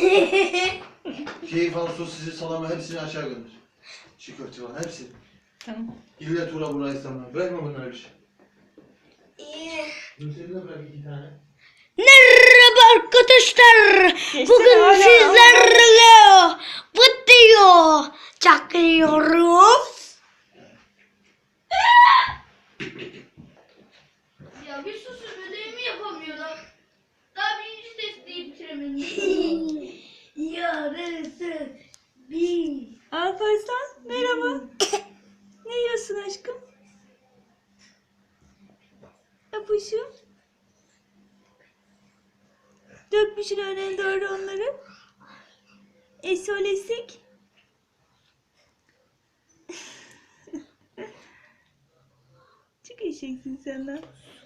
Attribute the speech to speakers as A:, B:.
A: Şeyi falan, sosisi, salamı hepsini aşağı gönder. Çiğ köfte falan hepsini.
B: Tamam.
A: İlle tura burayı İstanbul'a. Bırakma bunları bir şey. Gülsel'e bırak 2 tane.
C: Merhaba arkadaşlar. Bugün
B: hala.
C: sizlerle video çekiyoruz.
D: Ya bir susun, ödevimi yapamıyorum. Daha birinci testi bitiremedim.
C: Yarısı bir.
B: Alparslan merhaba. Ne yiyorsun aşkım? Yapışım. Dökmüşsün önüne doğru onları. Esolesik. Çok eşeksin sen de.